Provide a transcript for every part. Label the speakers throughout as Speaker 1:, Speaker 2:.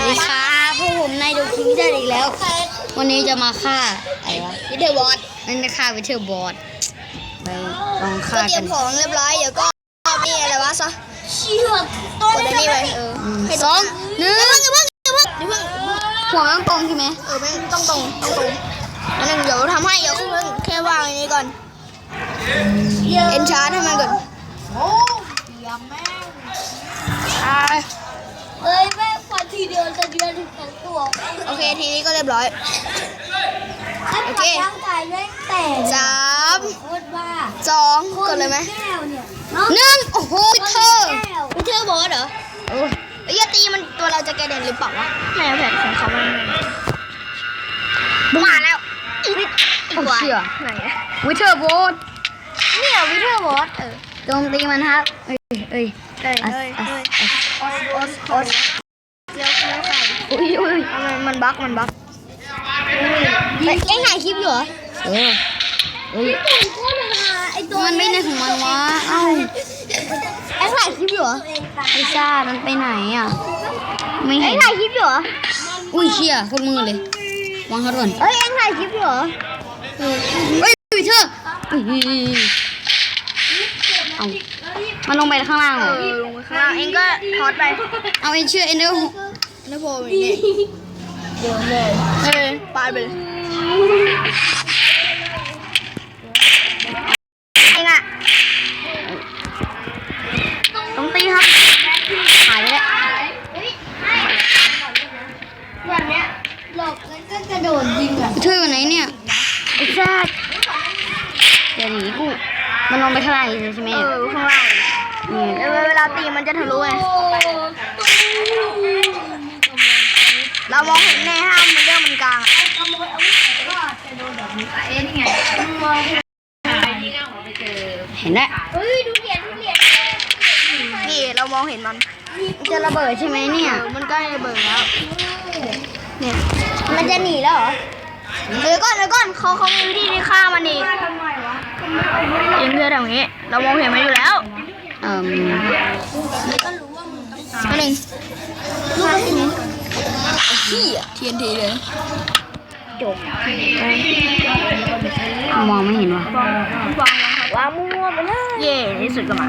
Speaker 1: สดีครับพวกผมนายดูคิงได้อีกแล้ววันนี้จะมาฆ่าอะไรวะวิเทอร์บอสนั่นนะฆ่าวิเทอร์บอสไปลองฆ่ากันเตรียมของเรียบร้อยเดี๋ยวก็มีอะไรวะซะเชี่ยต้นนี้ไปสองหนึ่งอย่าเพิ่งหัวต้องตรงใช่ไหมไม่ต้องตรงอันนึงเดี๋ยวทำให้เดี๋ยวเพิ่งแค่วางอันนี้ก่อนเอ็นชาร์ทให้มันก่อนโอ้ยแม่แม่พอทีเดียวจะเดือนถึง2 ตัวโอเคทีนี้ก็เรียบร้อยโอเค3 2กดเลยไหม1โอ้โหวิเทอร์บอสเหรออย่าตีมันตัวเราจะแกเด่นหรือเปล่าวะไม่เอาแผนของเขามาแล้วตัวไหนวิเทอร์บอสเนี่ยวิเทอร์บอสโจมตีมันครับเอ้ยเลี้ยวใส่อุ้ยมันบั๊กเอ็งถ่ายคลิปอยู่เหรอไอตัวมันไม่ในของมันวะเอ้าเอ็งถ่ายคลิปอยู่เหรอไอซ่ามันไปไหนอ่ะไม่เห็นเอ็งถ่ายคลิปอยู่เหรออุ้ยเชี่ยคนมือเลยวางเขาก่อนเอ็งถ่ายคลิปอยู่เหรอวิเทอร์เอามันลงไปข้างล่างเหรอลงไปข้างล่างเองก็ทอดไปเอาเองเชื่อเอ็นเดอร์โฟมนี่เดี๋ยวเลยปาดไปเลยเองอะต้องตีครับหายไปแล้วแบบเนี้ยหลบแล้วก็กระโดดยิงอะช่วยวันไหนเนี่ยไอ้ซ่าเดี๋ยวหนีกูมันลงไปข้างล่างใช่ไหมข้างล่างเวลาตีมันจะทะลุไงเรามองเห็นแน่ห้ามมันเรื่องมันกลางเห็นแล้วนี่เรามองเห็นมันจะระเบิดใช่ไหมเนี่ยมันใกล้ระเบิดแล้วเนี่ยมันจะหนีแล้วเหรอเดี๋ยวก่อนเขามีวิธีที่ฆ่ามันอีกยิงเพื่อแบบนี้เรามองเห็นมันอยู่แล้วก็หนึ่งลูกกระสุนขี้เทียนทีเลยจบมองไม่เห็นว่ะวางมั่วไปเลยเย่ที่สุดก็มา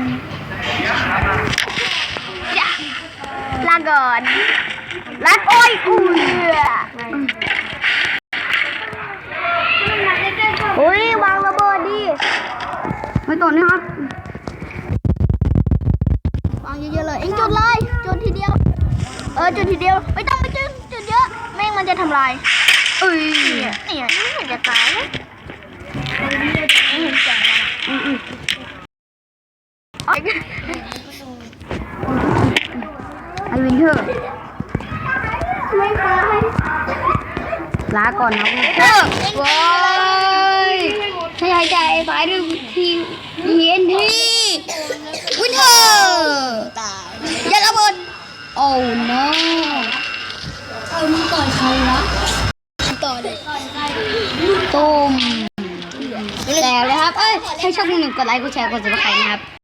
Speaker 1: ลาก่อนลาโอ้ยอุ้ยวางระเบิดดิไม่ต่อนี่ครับวางเยอะๆเลยเอ็งจุดเลยจุดทีเดียวจุดทีเดียวไม่ต้องไปจุดเยอะแม่งมันจะทำลายเนี่ยมันจะตายนะไม่เห็นใจไอวินเทอร์ไม่ตายลาก่อนนะวินเทอร์ว้ายให้หายใจตายด้วยทีTNTวินเทอร์อย่าระเบิดโอ้ no มึงต่อยใครวะต่อเลยตุ้มแล้วเลยครับให้ช่อง1กดไลค์กดแชร์กดซับสไครบ์นะครับ